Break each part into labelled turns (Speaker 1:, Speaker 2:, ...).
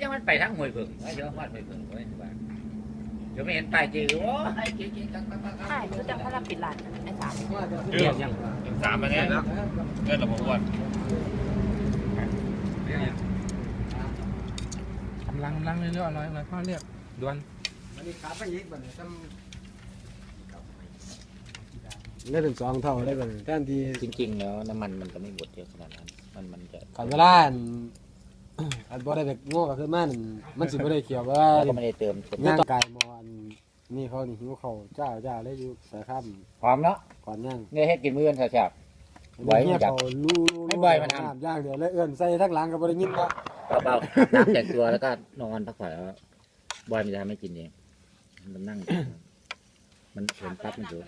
Speaker 1: มันไปทั้งห้วยผึ่งเดี๋ยวฮอดห้วยผึ่งเว้ยว่าเดี๋ยวไม่เห็นป้ายจื้อโอ้ยเจ๊จัง
Speaker 2: ใช่รู้จักเขารับปิดร้านไอ้สาม
Speaker 1: เรื่องยัง
Speaker 3: สามมาเนี่ยเกินระบบอ้วน
Speaker 4: กำลังเรื่อยๆอร่อยพ่อเรียกด่วน
Speaker 5: อันนี้ขาไปยิกบัดนี้ได้ถึง2 เท่าได้บัดนี้แทนที่
Speaker 1: จริงๆแล้วน้ำมันมันก็ไม่หมดเยอะขนาดนั้นมันจะ
Speaker 5: ก่อนเวลาอันบ่ได้แบบโง่ก็คือมันสิบ่ได้เกี่ยวว่า
Speaker 1: ก็ไม่ได้เติม
Speaker 5: ย่างกายมออันนี่เขานี่หิวเขาเจ้าเลยอยู่สายค่
Speaker 1: พร้อมเนาะ
Speaker 5: ำก่อนย่าง
Speaker 1: เงยเฮ็ดกินมื้อกันแซ่บ ไหว
Speaker 5: เงียบ
Speaker 1: อยาก
Speaker 5: เขาลู่
Speaker 1: ให้บ่อยมันทำ
Speaker 5: ย่างเดี๋ยวแล้วเอื้อนใส่ทั้งหลังก็บ่ได้ยินว่า
Speaker 1: ๆเบาๆน้ำแต่งตัวแล้วก็นอนพักผ่อนแล้วบอยมันจะไม่กินเองมันนั่งมันเห็นปั๊บมันอยู่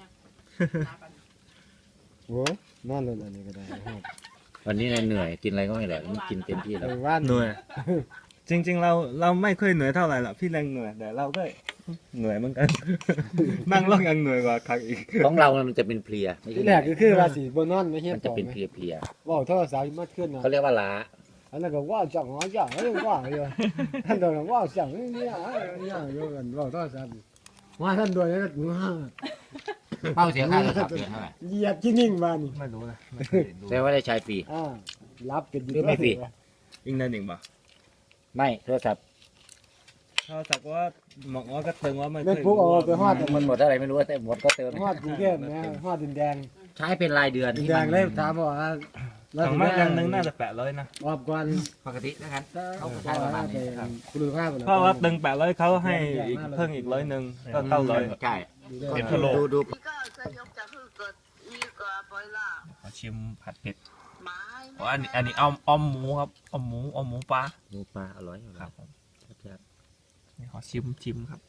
Speaker 5: โอ้ยนอนเลยอันนี้ก็ได้ครับ
Speaker 1: วันนี้เหนื่อยกินอะไรก็ไม่อร่อยมันกินเต็มที่แล้ว
Speaker 5: ว่าน
Speaker 4: เหนื่อยจริงๆเราไม่ค่อยเหนื่อยเท่าไหร่หรอกพี่แรงเหนื่อยแต่เราก็เหนื่อยเหมือนกัน นั่งรถยังเหนื่อยกว่าครั้งอีก
Speaker 1: ของเรามันจะเป็นเพลียไม่
Speaker 5: ที่
Speaker 1: ใช่
Speaker 5: แรกก็คือว่าสิบ่นอนไม่เฮ็ด
Speaker 1: มัน
Speaker 5: ต่
Speaker 1: จะ
Speaker 5: อ
Speaker 1: เป็น
Speaker 5: ไหม
Speaker 1: เพลีย
Speaker 5: เว้าโทรศัพท์มาขึ้นนะ
Speaker 1: เขาเรียกว่าล้า
Speaker 5: อันนั้นก็ว่าจังว่าจังว่าอยู่ท่านโดนว่าจังนี่เนี่ยอยู่กันเว้าโทรศัพท์ว่าท่านโดนแล้วก็
Speaker 1: เป้าเสียค่าโทรศัพท์เดือนเท่าไหร่
Speaker 5: เหยียบที่นิ่งมานี่
Speaker 4: ไม่รู้นะ
Speaker 1: แต่ว่าได้ใช้ฟรี
Speaker 5: รับเป็น
Speaker 1: หรือไม่ฟรี
Speaker 4: อิงนั่นเองปะ
Speaker 1: ไม่โทรศัพท์
Speaker 4: เขาสักว่าหมอกว่าก็เติงว่าไม่
Speaker 5: เม็ดปุ๊กเอาไปฮอด
Speaker 1: มันหมดเท่าไหร่ไม่รู้แต่หมดก็เติม
Speaker 5: ฮอดกรุงเทพนะฮอดดินแดง
Speaker 1: ใช้เป็นรายเดือน
Speaker 5: ดินแดงเลยถามว่า
Speaker 4: ถังไม้ยังนึงน่าจะ800นะ
Speaker 5: ออบก่อน
Speaker 1: ปกตินะครับเขาใช้ประมาณนี้ครับ
Speaker 5: คุณลูกค้า
Speaker 4: เพราะว่าตึง800เขาให้อีกเพิ่มอีก100นึงก็900
Speaker 1: ใช่
Speaker 3: เป็นพะโล้
Speaker 1: ดู
Speaker 2: 一个是用的是个一个不啦，
Speaker 4: ขอชิมผัดเผ็ด
Speaker 2: 买
Speaker 3: อ๋ออันนี้อ้อมหมูครับอ้อมหมูปลา
Speaker 1: ดูปลาอร่อยอยู่
Speaker 3: ค
Speaker 1: ค
Speaker 3: รั
Speaker 1: รั
Speaker 3: บบ ผม
Speaker 1: ครับ
Speaker 3: นี่ขอชิมครับ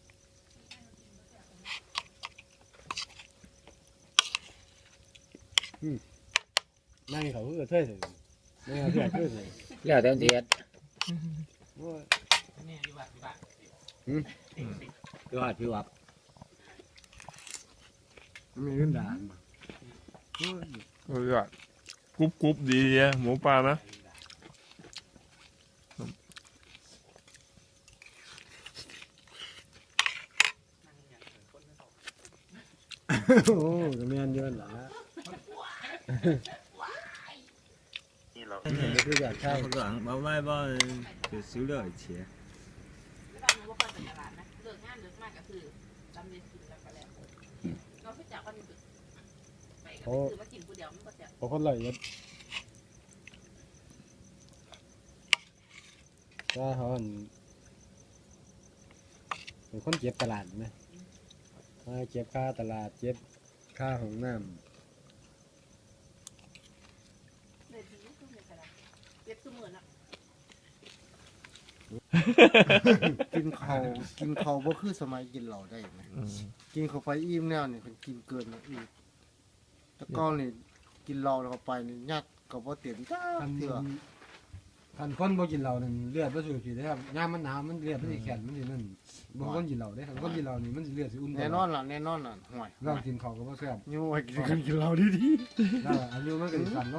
Speaker 5: นั่งเขาเพื่อเท่เลยนั่งเพื่อเท่เลย
Speaker 1: แล้วแต่เทียดพี่วัดพี่วัด
Speaker 5: มีเรื่องด่าน
Speaker 3: เออกรุบดีอะหมูปลานะ
Speaker 5: โอ้ก็มีอันเยอะหละนี่คืออยาก
Speaker 4: 差
Speaker 5: ใช่
Speaker 4: 不多外包就16块钱
Speaker 2: บ้านว่าก็เป็นตลาดนะเลิกงานเลิกมากก็คือจำเรียนกินแล้วก็แล้วเราไปจากวันไปก็คือว่ากินผู้เดียวมันก็จะ
Speaker 5: พอคนไหลยัดถ้าเขาเป็นคนเก็บตลาดไหมเก็บค่าตลาดเก็บค่าของน้ำ
Speaker 2: เลยทีนี้คือในตลาดเย็บสมือนะ
Speaker 6: กินเขาบ่คือสมัยกินเหล้าได้ไหมกินเข้าไปอิ่มแนวนี่เป็นกินเกินอีกแต่ก่อนนี่กินเหล้าแล้วเข้าไปนี่ยัดก็บ่เต็มจ้าเถื่อ
Speaker 5: คันคนบ่กินเหล้านั่นเลือดบ่สูบฉีดได้ครับยามมันหนาวมันเลือดมันสิแข็งมันสินั่นบ่คนกินเหล้าได้คันคนกินเหล้านี่มันสิเลือดสิอุ่น
Speaker 6: แน่นอนล่ะห่วย
Speaker 5: เรากินข้าวก็บ่แซ่บ
Speaker 6: อยู่ให้กินเหล้าดีๆ
Speaker 5: แล้วอายุมันก็สิสั้น